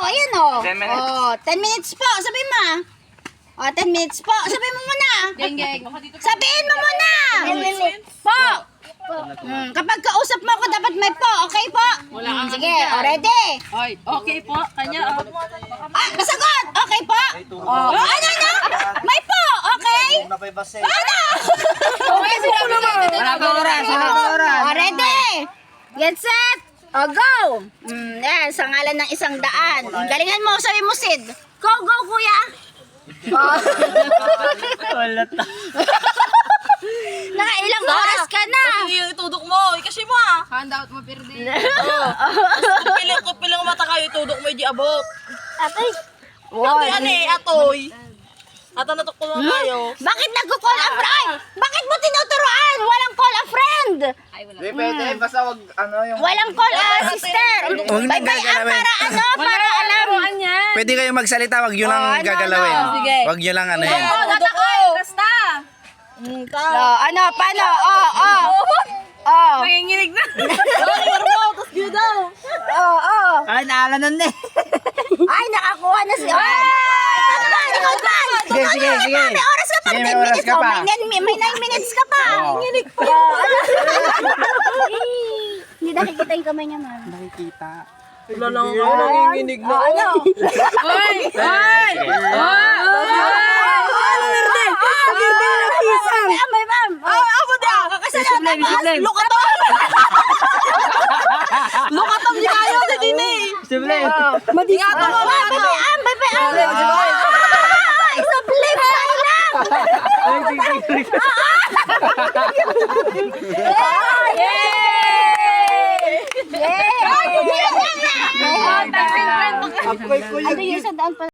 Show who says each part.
Speaker 1: ayan oh.
Speaker 2: 10 minutes.
Speaker 1: Oh, 10 minutes po, sabihin mo. Oh, 10 minutes po, sabihin mo muna. Sabihin mo muna. Po. Kapag kausap mo ako, dapat may po, okay po? Sige, ready?
Speaker 3: Ay, okay po. Kanya,
Speaker 1: Ah, nasagot! Okay po? Oh, ano? May po, okay? Ano?
Speaker 3: Okay, sinabi naman.
Speaker 4: Wala pa oras, wala pa oras.
Speaker 1: Oh, ready? Get set! O, go! Yan, sa ngalan ng 100. Galingan mo, sabi mo, Sid. Go, go, kuya! Oh.
Speaker 4: Wala ta.
Speaker 1: Nakailang oras ka na!
Speaker 3: Sige, itudok mo. Kasi mo ah. Handout mo, Pirdi. Kung pilang mata kayo, itudok mo, hindi abot.
Speaker 1: Atay!
Speaker 3: Atoy, ano eh, atoy. Ato natukol mo tayo.
Speaker 1: Bakit nagko-call a friend? Bakit mo tinuturuan? Walang call a friend!
Speaker 2: Hindi pwede, basta wag ano yung...
Speaker 1: Walang call a sister!
Speaker 4: Huwag na
Speaker 1: Bye-bye
Speaker 4: gagalawin.
Speaker 1: para ano? Para alam!
Speaker 4: Pwede kayong magsalita, wag nyo lang
Speaker 1: ano,
Speaker 4: gagalawin.
Speaker 3: Sige.
Speaker 4: Wag nyo lang ano yan.
Speaker 3: Tatakay, basta.
Speaker 1: So, ano, paano? Oh.
Speaker 3: Nanginginig na. Tapos gano'n daw.
Speaker 1: Oh.
Speaker 4: Ay, naala nun eh.
Speaker 1: Ay, nakakuha na si... Ikaw ba?
Speaker 4: Sige.
Speaker 1: May oras ka pa.
Speaker 4: Sige,
Speaker 1: 10
Speaker 4: may oras
Speaker 1: minutes.
Speaker 4: ka
Speaker 1: Oh,
Speaker 4: pa.
Speaker 1: may 9 minutes ka pa.
Speaker 4: Oo.
Speaker 1: Nanginig pa. Hindi nakikita yung kamay niya, ma'am.
Speaker 4: Nakikita.
Speaker 3: Wala lang ako nanginginig na.
Speaker 1: Ano?
Speaker 3: Hoy! Hoy!
Speaker 1: Ma'am.
Speaker 3: Ako din.
Speaker 1: Kakasalan na ba?
Speaker 3: Lukatom! Lukatom di kayo sa dini.
Speaker 4: Simple.
Speaker 3: Ingatan mo, ingatan.
Speaker 1: Bye-bye. Isa flip side lang. Yay!
Speaker 3: Yay!
Speaker 1: Ano yung 100 pa?